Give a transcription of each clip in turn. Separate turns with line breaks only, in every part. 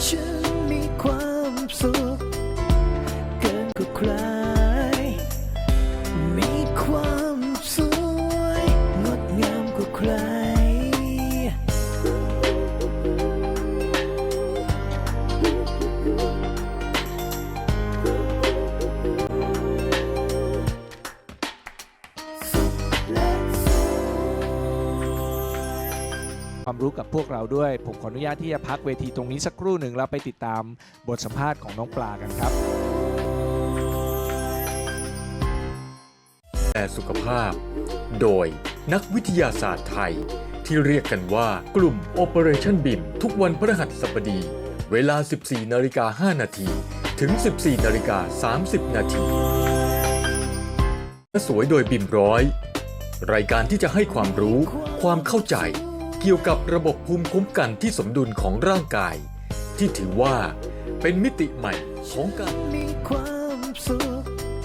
ฉันมีความสุขเกินกว่าใครมีความสวยงดงามกว่าใคร
ความรู้กับพวกเราด้วยผมขออนุญาตที่จะพักเวทีตรงนี้สักครู่หนึ่งแล้วไปติดตามบทสัมภาษณ์ของน้องปลากันครับ
แต่สุขภาพโดยนักวิทยาศาสตร์ไทยที่เรียกกันว่ากลุ่ม Operation BIM ทุกวันพฤหัสบดีเวลา 14:05 น.ถึง 14:30 น.สวยโดยบิมร้อยรายการที่จะให้ความรู้ความเข้าใจเกี่ยวกับระบบภูมิคุ้มกันที่สมดุลของร่างกายที่ถือว่าเป็นมิติใหม่ของการ
มีความสุข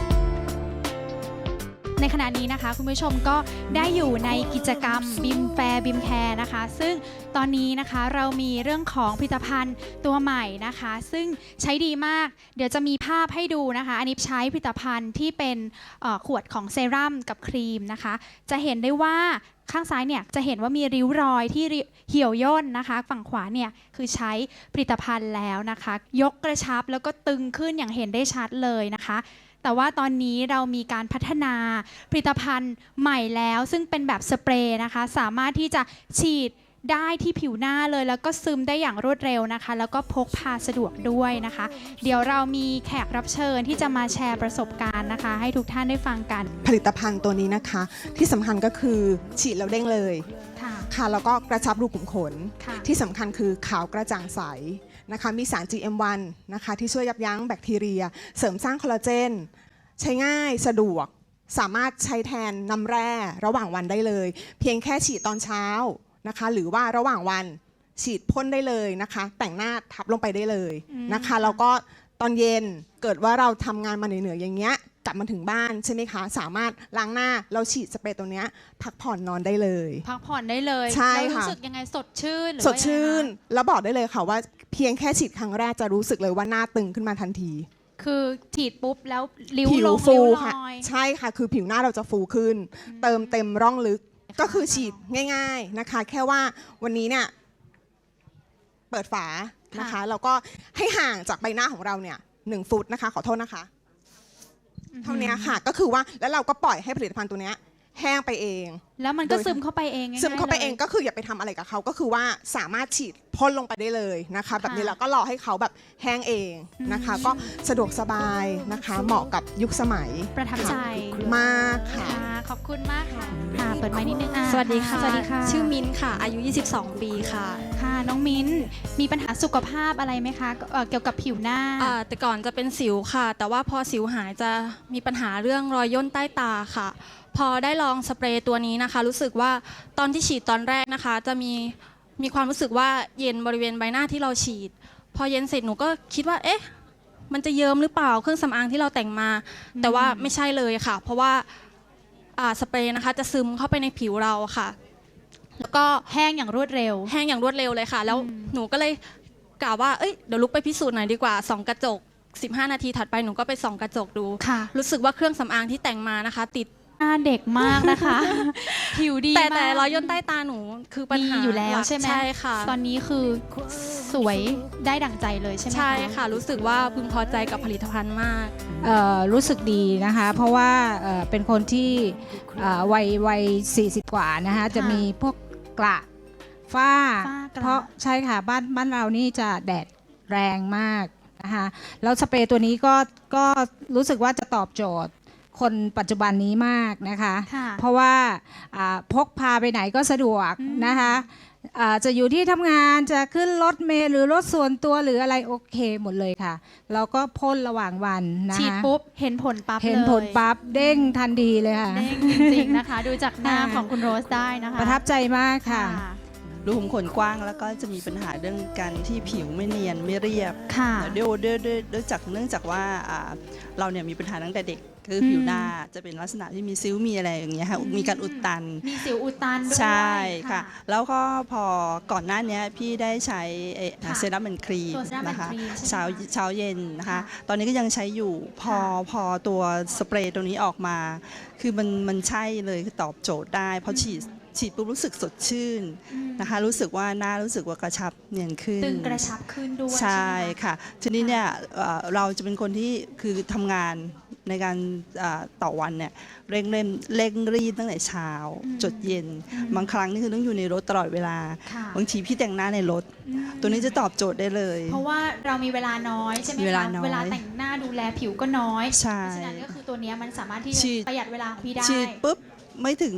ในขณะนี้นะคะคุณผู้ชมก็ได้อยู่ในกิจกรรมบิมแฟร์บิมแคร์นะคะซึ่งตอนนี้นะคะเรามีเรื่องของผลิตภัณฑ์ตัวใหม่นะคะซึ่งใช้ดีมากเดี๋ยวจะมีภาพให้ดูนะคะอันนี้ใช้ผลิตภัณฑ์ที่เป็นขวดของเซรั่มกับครีมนะคะจะเห็นได้ว่าข้างซ้ายเนี่ยจะเห็นว่ามีริ้วรอยที่เหี่ยวย่นนะคะฝั่งขวาเนี่ยคือใช้ผลิตภัณฑ์แล้วนะคะยกกระชับแล้วก็ตึงขึ้นอย่างเห็นได้ชัดเลยนะคะแต่ว่าตอนนี้เรามีการพัฒนาผลิตภัณฑ์ใหม่แล้วซึ่งเป็นแบบสเปรย์นะคะสามารถที่จะฉีดได้ที่ผิวหน้าเลยแล้วก็ซึมได้อย่างรวดเร็วนะคะแล้วก็พกพาสะดวกด้วยนะคะเดี๋ยวเรามีแขกรับเชิญที่จะมาแชร์ประสบการณ์นะคะให้ทุกท่านได้ฟังกัน
ผลิตภัณฑ์ตัวนี้นะคะที่สำคัญก็คือฉีดแล้วเด้งเลยค่ะแล้วก็กระชับรูขุมขนที่สำคัญคือขาวกระจ่างใสนะคะมีสาร GM1 นะคะที่ช่วยยับยั้งแบคทีเรียเสริมสร้างคอลลาเจนใช้ง่ายสะดวกสามารถใช้แทนน้ำแร่ระหว่างวันได้เลยเพียงแค่ฉีดตอนเช้านะคะหรือว่าระหว่างวันฉีดพ่นได้เลยนะคะแต่งหน้าทับลงไปได้เลยนะคะแล้วก็ตอนเย็นเกิดว่าเราทำงานมาเหนื่อยๆอย่างเงี้ยกลับมาถึงบ้านใช่ไหมคะสามารถล้างหน้าเราฉีดสเปรย์ตัวเนี้ยพักผ่อนนอนได้เลย
พักผ่อนได้เลย
ใช่ค่ะ
รู้สึกยังไงสดชื่น
สดชื่นแล้วบอกได้เลยค่ะว่าเพียงแค่ฉีดครั้งแรกจะรู้สึกเลยว่าหน้าตึงขึ้นมาทันที
คือฉีดปุ๊บแล้วริ้ว
ผิ
ล
ว
ง
ฟู
ริ้วล
ค่ะ
อย
ใช่ค่ะคือผิวหน้าเราจะฟูขึ้นเติมเต็มร่องลึกก็คือฉีดง่ายๆนะคะแค่ว่าวันนี้เนี่ยเปิดฝานะคะแล้วก็ให้ห่างจากใบหน้าของเราเนี่ย1 ฟุตนะคะขอโทษนะคะเท่านี้ค่ะก็คือว่าแล้วเราก็ปล่อยให้ผลิตภัณฑ์ตัวนี้แห้งไปเอง
แล้วมันก็ซึมเข้าไปเอง
ซึมเข้าไปเองก็คืออย่าไปทำอะไรกับเขาก็คือว่าสามารถฉีดพ่นลงไปได้เลยนะคะแบบนี้เราก็รอให้เขาแบบแห้งเองนะคะก็สะดวกสบายนะคะเหมาะกับยุคสมัย
ประทับใจ
มากค่ะ
ขอบคุณมากค่ะเปิดไมค์นิดนึง
สวัสดีค่ะ
สวัสดีค่ะ
ชื่อมิ้นค่ะอายุ22 ปีค่ะ
ค่ะน้องมิ้นมีปัญหาสุขภาพอะไรไหมคะเกี่ยวกับผิวหน้า
แต่ก่อนจะเป็นสิวค่ะแต่ว่าพอสิวหายจะมีปัญหาเรื่องรอยย่นใต้ตาค่ะพอได้ลองสเปรย์ตัวนี้นะคะรู้สึกว่าตอนที่ฉีดตอนแรกนะคะจะมีความรู้สึกว่าเย็นบริเวณใบหน้าที่เราฉีดพอเย็นเสร็จหนูก็คิดว่าเอ๊ะมันจะเยิ้มหรือเปล่าเครื่องสำอางที่เราแต่งมาแต่ว่าไม่ใช่เลยค่ะเพราะว่าสเปรย์นะคะจะซึมเข้าไปในผิวเราค่ะแล้วก็
แห้งอย่างรวดเร็ว
เลยค่ะแล้วหนูก็เลยกล่าวว่าเดี๋ยวลุกไปพิสูจน์หน่อยดีกว่าส่องกระจก15 นาทีถัดไปหนูก็ไปส่องกระจกดูรู้สึกว่าเครื่องสำอางที่แต่งมานะคะติด
หน้าเด็กมากนะคะผิวดีมาก
แต่รอยย่นใต้ตาหนูคือปัญหา
อยู่แล้วใช่ไหม
ใช่ค่ะ
ตอนนี้คือสวยได้ดั่งใจเลยใช่ไหม
ใช่ค่ะรู้สึกว่าพึงพอใจกับผลิตภัณฑ์มาก
รู้สึกดีนะคะเพราะว่าเป็นคนที่วัย40 กว่านะคะจะมีพวกกระฝ้าเพราะใช่ค่ะบ้านเรานี่จะแดดแรงมากนะคะแล้วสเปรย์ตัวนี้ก็รู้สึกว่าจะตอบโจทย์คนปัจจุบันนี้มากนะคะเพราะว่าพกพาไปไหนก็สะดวกนะคะจะอยู่ที่ทำงานจะขึ้นรถเมล์หรือรถส่วนตัวหรืออะไรโอเคหมดเลยค่ะเราก็พ่นระหว่างวันนะคะ
ฉีดปุ๊บเห็นผลปั๊บ
เห็นผลปั๊บเด้งทันทีเลยค่ะ
เด้งจริงๆนะคะดูจากหน้าของคุณโรสได้นะคะ
ประทับใจมากค่ะ
รูขุมขนกว้างแล้วก็จะมีปัญหาเรื่องการที่ผิวไม่เนียนไม่เรียบด้วยเนื่องจากว่าเราเนี่ยมีปัญหาตั้งแต่เด็กคือผิวหน้าจะเป็นลักษณะที่มีซิ้วมีอะไรอย่างเงี้ยค่ะมีการอุดตัน
มีสิวอุดตันด้วย
ใช่ค่ะแล้วก็พอก่อนหน้านี้พี่ได้ใช้เซรั่มเป็นครีม
ตัวเซรั่ม
นะคะ
เป็นครีมใช่ไหม
เช้าเย็นนะคะ
ค่ะ
ตอนนี้ก็ยังใช้อยู่พอตัวสเปรย์ตัวนี้ออกมา คือมันใช่เลยคือตอบโจทย์ได้เพราะฉีดปุ๊บรู้สึกสดชื่นนะคะรู้สึกว่าหน้ารู้สึกว่ากระชับเนียนขึ้น
ตึงกระชับขึ้นด้วย
ใช่
ไหมคะ
ค่ะทีนี้เนี่ยเราจะเป็นคนที่คือทำงานในการต่อวันเนี่ยเร่งรีบตั้งแต่เช้าจดเย็นบางครั้งนี่คือต้องอยู่ในรถตลอดเวลา
ค่ะ
บางทีพี่แต่งหน้าในรถ ตัวนี้จะตอบโจทย์ได้เลย
เพราะว่าเรามีเวลาน้อยใช่ไหม
มี
คะ
เวลาน้อย
เวลาแต่งหน้าดูแลผิวก็น้อย
ใช่
เพราะฉะนั้นก็คือตัวเนี้ยมันสามารถที่
ฉี
จะ
ด
ประหยัดเวลาของพี่ได้
ฉีดปุ๊บไม่ถึง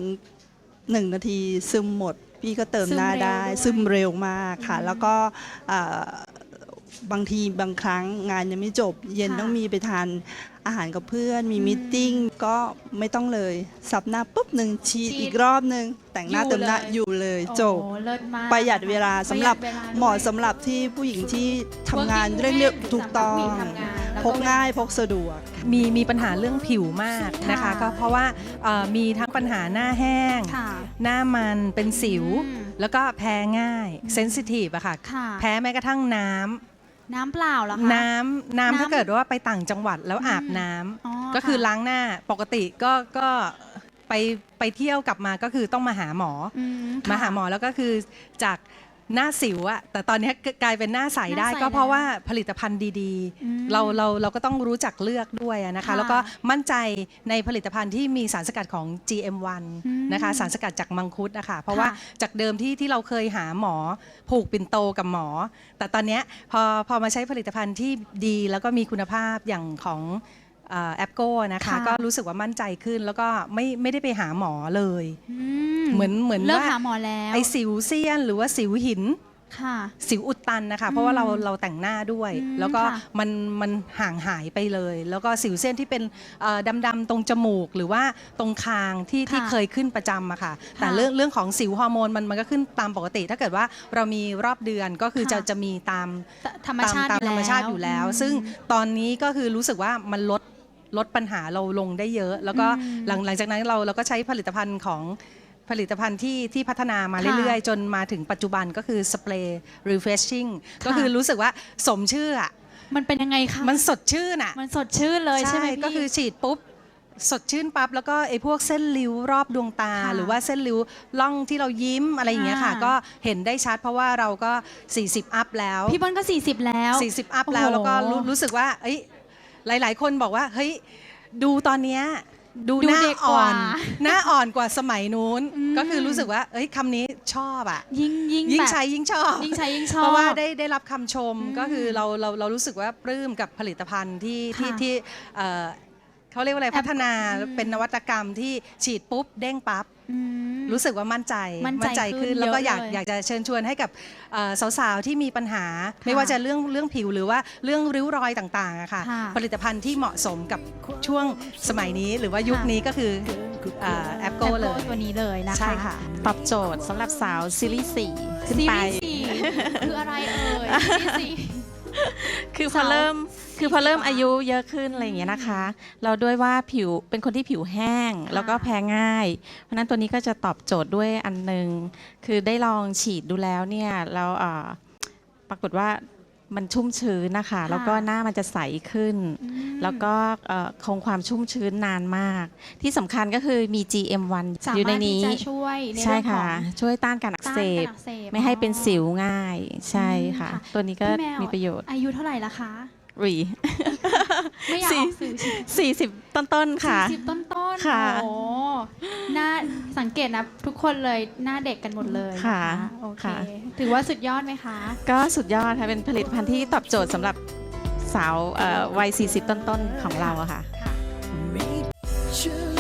1 นาทีซึมหมด พี่ก็เติมหน้าได้
ซึมเร็วด้วย
ซึมเร็วมากค่ะ แล้วก็บางทีบางครั้งงานยังไม่จบ เย็นต้องมีไปทานอาหารกับเพื่อน มีมิทติ้งก็ไม่ต้องเลยสับหน้าปุ๊บหนึ่งฉีดอีกรอบหนึ่งแต่งหน้าเติมหน้าอยู่เลยจบ
โอ้เลิศมาก
ประหยัดเวลาสำหรับ
ประยัดวลด้วย
เหมาะสำหรับที่ผู้หญิงที่ทำงาน
Working
เร่ง
woman
ถูกต้อง
สำหรับผู้หญิงทำงานแล้ว
พกง่ายพกสะดวก
มีปัญหาเรื่องผิวมากนะคะ
ค่ะ
ก็เพราะว่ามีทั้งปัญหาหน้าแห้ง
ค่ะ
หน้ามันเป็นสิว
อืม
แล้วก็แพ้ง่ายเซนซิทีฟอะค่ะ
ค่ะ
แพ้แม้กระทั่งน้ำ
น้ำเปล่าเหรอคะ
น้ำถ้าเกิดว่าไปต่างจังหวัดแล้วอาบน้
อ๋อ
ำก็คือ
ค่ะ
ล้างหน้าปกติก็ไปเที่ยวกลับมาก็คือต้องมาหาหมอ
อื
มาหาหมอแล้วก็คือจากหน้าสิวอะแต่ตอนนี้กลายเป็นหน้าใสได้ก็เพราะว่าผลิตภัณฑ์ดี
อืม
ๆ เราก็ต้องรู้จักเลือกด้วยอะนะคะ
ค่ะ
แล้วก็มั่นใจในผลิตภัณฑ์ที่มีสารสกัดของ GM1
อืม
นะคะสารสกัดจากมังคุดนะคะเพราะว่า
ค่ะ
จากเดิมที่เราเคยหาหมอผูกปิ่นโตกับหมอ แต่ตอนเนี้ยพอมาใช้ผลิตภัณฑ์ที่ดีแล้วก็มีคุณภาพอย่างของแอปโก้นะคะ
ค่ะ
ก็รู้สึกว่ามั่นใจขึ้นแล้วก็ไม่ได้ไปหาหมอเลย
อื
เหมือน
เลิก
ว่า
หาหมอแล้ว
ไอสิวเซียนหรือว่าสิวหิน
ค่ะ
สิวอุดตันนะคะเพราะว่าเราแต่งหน้าด้วย
อืม
แล้วก็
ค่ะ
มันห่างหายไปเลย แล้วก็สิวเส้นที่เป็นดำๆตรงจมูก หรือว่าตรงคางที่เคยขึ้นประจำอะค่ะแต่เรื่องของสิวฮอร์โมนมันก็ขึ้นตามปกติ ถ้าเกิดว่าเรามีรอบเดือนก็คือจะมีตาม
ธรรมชาติ
ตามธรรมชาติอยู่แล้ว ซึ่งตอนนี้ก็คือรู้สึกว่ามันลดปัญหาเราลงได้เยอะ แล้วก็หลังจากนั้นเราก็ใช้ผลิตภัณฑ์ของผลิตภัณฑ์ที่พัฒนามาเรื่อยๆ จนมาถึงปัจจุบันก็คือสเปรย์ refreshing ก็คือรู้สึกว่าสมชื่ออะ
มันเป็นยังไงคะ
มันสดชื่นอะ
มันสดชื่นเลยใช่ไหมพี่
ก็คือฉีดปุ๊บสดชื่นปั๊บแล้วก็ไอ้พวกเส้นริ้วรอบดวงตา
ค่ะ
หรือว่าเส้นริ้วล่องที่เรายิ้มอะไรอย่างเงี้ยค่ะ
ค่ะ
ก็เห็นได้ชัดเพราะว่าเราก็40อัพแล้ว
พี่บอลก็40แล้ว
40อัพแล้ว
โอ้โห
แล้วก็รู้สึกว่าเอ้ยหลายๆ คนบอกว่าเฮ้ยดูตอนเนี้ยดู
ดู
หน้า
เด็กก
อ่อ
ว่า
นหน้าอ่อนกว่าสมัยนู้น
อืม
ก็คือรู้สึกว่าเอ้ยคำนี้ชอบอ่ะ
ยิ่ง
ยิ่ง
แบบ
ใช้ยิ่งชอบ
ยิ่งใช้ยิ่งชอบ
เพราะว่าได้รับคำชม
อืม
ก็คือเรารู้สึกว่าปลื้มกับผลิตภัณฑ์ที่
ค่ะ
เขาเรียกว่าอะไร
แอป
พัฒนา
อืม
เป็นนวัตกรรมที่ฉีดปุ๊บเด้งปั๊บ
อืม
รู้สึกว่ามั่นใจ
มั่นใจขึ้
ขึ้
น
นแล้วก็
เยอะเลย
อยากจะเชิญชวนให้กับสาวๆที่มีปัญหา
ค่ะ
ไม่ว่าจะเรื่องผิวหรือว่าเรื่องริ้วรอยต่างๆอะค่ะ
ค่ะ
ผลิตภัณฑ์ที่เหมาะสมกับช่วงสมัยนี้หรือว่ายุคนี้ก็คือแอปโก้เลย
ตัวนี้เลยนะคะ
ใช่ค่ะ
ตอบโจทย์สำหรับสาวซีรีส์4ขึ้น
ซี
ไป
รีส์สี่คืออะไรเอ่ยซีรีส์สี่
คือพอเริ่มอายุเยอะขึ้นอะไรอย่างเงี้ยนะคะ เราด้วยว่าผิวเป็นคนที่ผิวแห้ง แล้วก็แพ้ง่าย เพราะฉะนั้นตัวนี้ก็จะตอบโจทย์ด้วยอันหนึง คือได้ลองฉีดดูแล้วเนี่ยแล้วปรากฏว่ามันชุ่มชื้นนะคะ แล้วก็หน้ามันจะใสขึ้น แล้วก็คงความชุ่มชื้นนานมาก ที่สำคัญก็คือมี GM1
สา
อยู่ใน
มารถที่
นี้
จะช่วยใน
ใช่
เรื่องขอ
ค่ะ
ง
ช่วยต้านการอักเสบ
ต้านการอักเสบ
ไม่ให้เป็นสิวง่าย ใช่ค่ะ
ค่ะ
ตัวนี้ก็
พี่แว
มีประโยชน์
อายุเท่าไหร่ละคะ
รี
ไม่อยากออกสื่อใช่ไหม
40 ต้นๆค่ะ
40ต้นๆ
ค่ะ
โอ้หน้าสังเกตนะทุกคนเลยหน้าเด็กกันหมดเลยน
ค่ะ
โอเค
ค่ะ
ถือว่าสุดยอดไหมคะ
ก็สุดยอดค่ะ เป็นผลิตภัณฑ์ที่ตอบโจทย์สำหรับสาววัย 40 ต้นๆ ของเราอะค่ะ
Meet you